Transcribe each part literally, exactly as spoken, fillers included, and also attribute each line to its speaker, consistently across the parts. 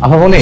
Speaker 1: আপামনি,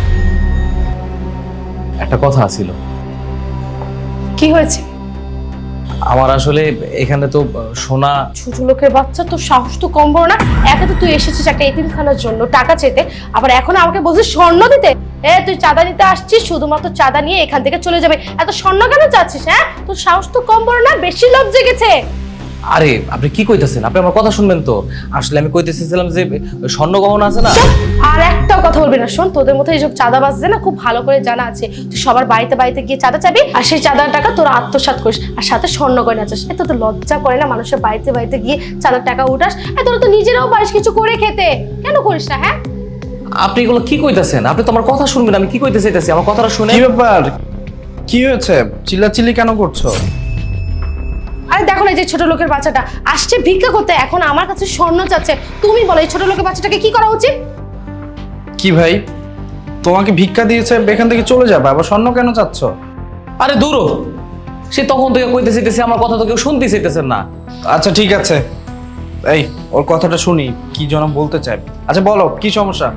Speaker 1: একটা কথা ছিল।
Speaker 2: কি হয়েছে?
Speaker 1: আমার আসলে এখানে তো সোনা।
Speaker 2: ছোট লোকের বাচ্চা, তোর সাহস তো কম বড় না। একে তো তুই এসেছিস একটা এতিমখানার জন্য টাকা চেতে, আবার এখন আমাকে বলছিস স্বর্ণ দিতে। এ তুই চাঁদা নিতে আসছিস, শুধুমাত্র চাঁদা নিয়ে এখান থেকে চলে যাবে। এত স্বর্ণ কেন চাচ্ছিস? হ্যাঁ, তোর সাহস তো কম বড় না, বেশি লোভ জেগেছে।
Speaker 1: আরে আপনি কি কইতেছেন? আপনি আমার কথা শুনবেন তো। আসলে আমি কইতেছিলাম যে স্বর্ণ গহনা আছে না।
Speaker 2: আর একটাও কথা বলবি না। শোন, তোদের মধ্যে এইসব চাঁদা বাজছে না, খুব ভালো করে জানা আছে। তুই সবার বাড়িতে বাড়িতে গিয়ে চাঁদা চাবি, আর সেই চাঁদার টাকা তোরা আত্মসাৎ করিস, আর সাথে স্বর্ণ গয়না চাস। এত তো লজ্জা করে না মানুষের বাড়িতে বাড়িতে গিয়ে চাঁদার টাকা উঠাস? আর তোরা তো নিজেরাও পারিস কিছু করে খেতে, কেন করিস না? হ্যাঁ,
Speaker 1: আপনি এগুলো কি কইতেছেন? আপনি তো আমার কথা শুনবেন। আমি কি কইতে চাইতেছি, আমার কথাটা শুনে।
Speaker 3: কি ব্যাপার? কি হয়েছে? চিল্লাচিল্লি কেন করছো?
Speaker 2: আরে দেখো না, এই যে ছোট লোকের বাচ্চাটা আসছে ভিক্ষা করতে, এখন আমার কাছে স্বর্ণ চাচ্ছে। তুমি বলো এই ছোট লোকের বাচ্চাটাকে কি করা উচিত?
Speaker 3: কি ভাই, তোমাকে ভিক্ষা দিয়েছে, এখান থেকে চলে যাবে, আবার স্বর্ণ কেন চাচ্ছ?
Speaker 1: আরে দূরও, সে তখন থেকে কইতে চাইতেছে, আমার কথা তো কেউ শুনতে চাইতেছেন না।
Speaker 3: আচ্ছা ঠিক আছে, এই ওর কথাটা শুনি, কি যেন বলতে চাই। আচ্ছা বলো, কি সমস্যা?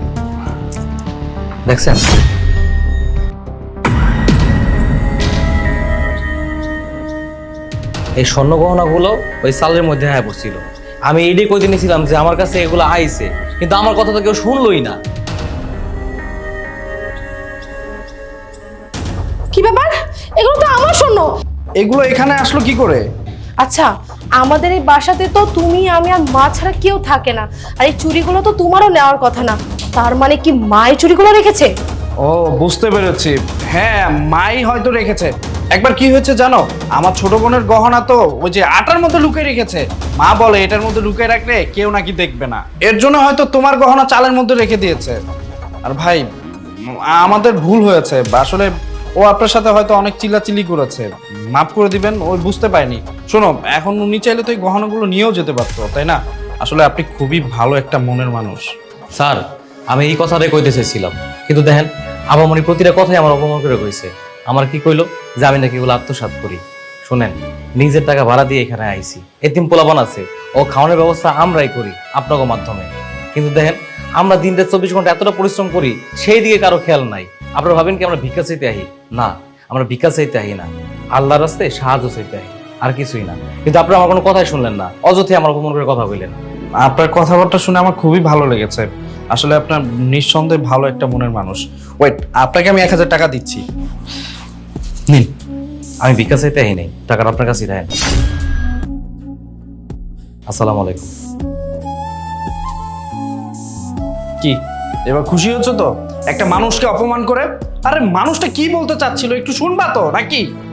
Speaker 1: দেখছেন, এই স্বর্ণ গহনাগুলো ওই সালের মধ্যে হ্যাঁ পড়ছিল। আমি এটাই কইতে নিয়েছিলাম যে আমার কাছে এগুলো আইছে, কিন্তু আমার কথা তো কেউ শুনলই না।
Speaker 2: কি ব্যাপার? এগুলো তো আমার স্বর্ণ।
Speaker 3: এগুলো এখানে আসলো কি করে?
Speaker 2: আচ্ছা, আমাদের এই বাসাতে তো তুমি, আমি আর মা ছাড়া কেউ থাকে না, আর এই চুড়িগুলো তো তোমারও নেওয়ার কথা না। তার মানে কি মাই চুড়িগুলো রেখেছে?
Speaker 3: ও বুঝতে পেরেছি, হ্যাঁ মাই হয়তো রেখেছে। একবার কি হয়েছে জানো, আমার ছোট বোনের গহনা তো ওই যে আটার মধ্যে লুকিয়ে রেখেছে। মা বলে এটার মধ্যে লুকিয়ে রাখলে কেউ নাকি দেখবে না, এর জন্য হয়তো তোমার গহনা চালের মধ্যে রেখে দিয়েছে। আর ভাই উম, আমাদের ভুল হয়েছে আসলে, ও আপনার সাথে হয়তো অনেক চিল্লাচিল্লি করেছে, মাফ করে দিবেন, ওই বুঝতে পারেনি। শোনো, এখন উনি চাইলে তো এই গহনাগুলো নিয়েও যেতে পারতো, তাই না? আসলে আপনি খুবই ভালো একটা মনের মানুষ।
Speaker 1: স্যার, আমি এই কথাটাই কইতে চাইছিলাম, কিন্তু দেখেন আবামনি প্রতিটা কথাই আমার অপমান করে কইছে। আমার কি কইলো যে আমি নাকি এগুলো আত্মসাৎ করি। শুনেন, নিজের টাকা ভাড়া দিয়ে এখানে আইছি, এতিম পোলাপান আছে, ও খাওয়ানোর ব্যবস্থা আমরাই করি আপনাদের মাধ্যমে। কিন্তু দেখেন, আমরা দিন রাত চব্বিশ ঘন্টা এতটা পরিশ্রম করি, সেই দিকে কারো খেয়াল নাই। আপনারা ভাবেন কি আমরা ভিক্ষা চাইতে আহি? না, আমরা ভিক্ষা চাইতে আহি না, আল্লাহর রাস্তায় সাহায্য চাইতে আহি, আর কিছুই না। কিন্তু আপনারা আমার কোনো কথাই শুনলেন না, অযথাই আমার অপমান করে কথা বললেন।
Speaker 3: আপনার কথাবার্তা শুনে আমার খুবই ভালো লেগেছে। আসলে আপনার নিঃসন্দেহে ভালো একটা মনের মানুষ। ওয়েট, আপনাকে আমি এক হাজার টাকা দিচ্ছি।
Speaker 1: নিন, আমি ভিক্ষা চাইতে আহি নাই, টাকাটা আপনার কাছেই রাখেন। আসসালামু আলাইকুম।
Speaker 3: কি এবার খুশি হচ্ছ তো একটা মানুষকে অপমান করে? আরে মানুষটা কি বলতে চাচ্ছিল একটু শুনবা তো নাকি?